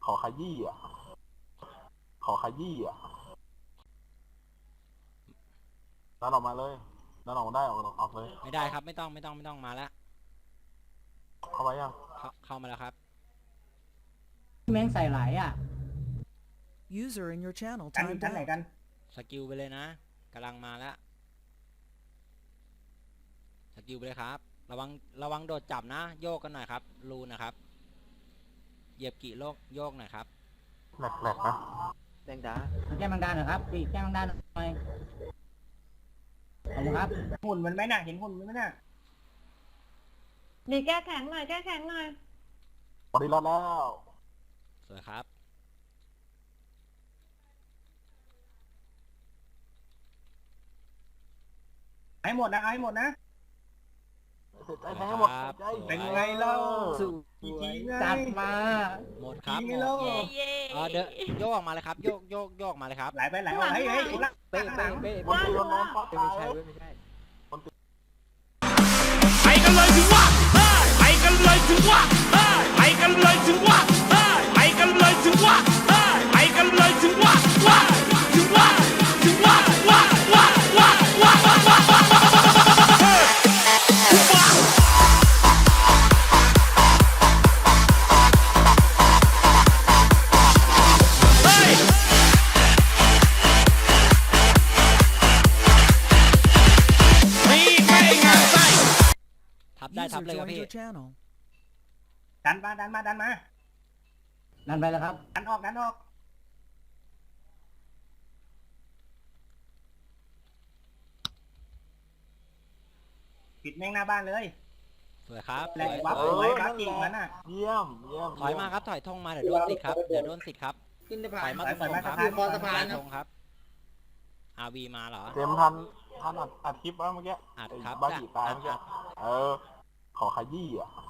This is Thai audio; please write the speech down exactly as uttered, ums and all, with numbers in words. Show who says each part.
Speaker 1: ขอขยี้อ่ะขอขยี้อ่ะดันออกมาเลยดันออกได้ออกออกเลย
Speaker 2: ไม่ได้ครับไม่ต้องไม่ต้องไม่ต้องมาแล้ว
Speaker 1: เข้าไปยัง
Speaker 2: เข้าเข้ามาแล้วครับ
Speaker 3: แม่งใส่หลายอ่ะ
Speaker 4: User in your channel
Speaker 3: กันอยู่
Speaker 4: timed
Speaker 3: ชั้นไหน
Speaker 4: out.
Speaker 3: กัน
Speaker 2: สกิลไปเลยนะกำลังมาแล้วสกิลไปเลยครับระวังระวังโดดจับนะโยกกันหน่อยครับรูนะครับเหยียบกี่โลกโยกหน่อยครับ
Speaker 1: แหลกๆนะ
Speaker 5: แดงดา
Speaker 3: แก้มังดาหน่อยครับปีแก้มังดาหน่อยขอบคุณครับหุ่นมันไหมน่ะเห็นหุ่นมันไหมน่ะ
Speaker 6: ดีแก้แข็งหน่อยแก้แข็งหน่อย
Speaker 1: บอดี้รอดแล้ว
Speaker 2: สวยครับ
Speaker 3: ให้หมดนะเอาให้หมดนะ
Speaker 1: ใจแทงให้หมดใจ
Speaker 3: เป็นไงเล่า
Speaker 5: สู้
Speaker 3: อีกทีจัดมา
Speaker 2: หมดครับ
Speaker 3: ที
Speaker 2: หม
Speaker 3: นี้
Speaker 2: ด
Speaker 3: เล่า
Speaker 6: เย่เย่
Speaker 2: เออเดโยกออกมาเลยครับโยกโยกโยกมาเลยครับ
Speaker 3: ไหลไปไหลออกเฮ้ยเฮ้ยถูกละ
Speaker 5: เป๊ะ
Speaker 3: ข้างหลั
Speaker 5: เป๊ะ
Speaker 3: ง
Speaker 5: เป๊ะ
Speaker 1: บนตีโดนนอนปัก
Speaker 5: ไม่
Speaker 1: ตาย
Speaker 5: ใช่เว้ยไม่ใช่
Speaker 7: ไปกันเลยถึงว่าไปกันเลยถึงว่าไปกันเลยถึงว่าไปกันเลยถึงว่าไปกันเลยถึงว่าว่าถึงว่าถึงว่าว่าว่าว่าว่าว่าว่าว่าเฮ้ยนี่ไม่งานไส้
Speaker 2: ทับได้ทับ
Speaker 4: User
Speaker 2: เลยครับ
Speaker 4: joined
Speaker 2: พี่
Speaker 4: your channel.
Speaker 3: ดันมาดันมาดันมาดันไปแล้วครับดันออกดันออกปิดแม่งหน้าบ้านเลย
Speaker 2: สวยครับ
Speaker 3: แหล
Speaker 2: ส
Speaker 3: ก
Speaker 2: วย
Speaker 3: วับ
Speaker 2: สวย
Speaker 3: ไว้บัฟจริงมันน่ะ
Speaker 1: เยี่ยมเยี่ยม
Speaker 2: ถอยมาครับถอยธงมาเดี๋ยวโดนสิทธิ์ครับเดี๋ยวโดนสิทธิ์ครับ
Speaker 3: ขึ้นสะ
Speaker 2: ถ
Speaker 3: พา
Speaker 2: อน ยมาตรง
Speaker 3: ถอย
Speaker 2: ธ
Speaker 3: มาง
Speaker 2: ครับ
Speaker 3: สะพาน
Speaker 2: ถอยธงครับอาวีมาเหรอ
Speaker 1: เจมทันทันอัดอัดคลิปแล้วเมื่อกี้
Speaker 2: อัดครับ
Speaker 1: บ้าจีตาย
Speaker 2: อัด
Speaker 1: เมื่อกี้
Speaker 2: อัด
Speaker 1: เออขอขยี้อ่ะ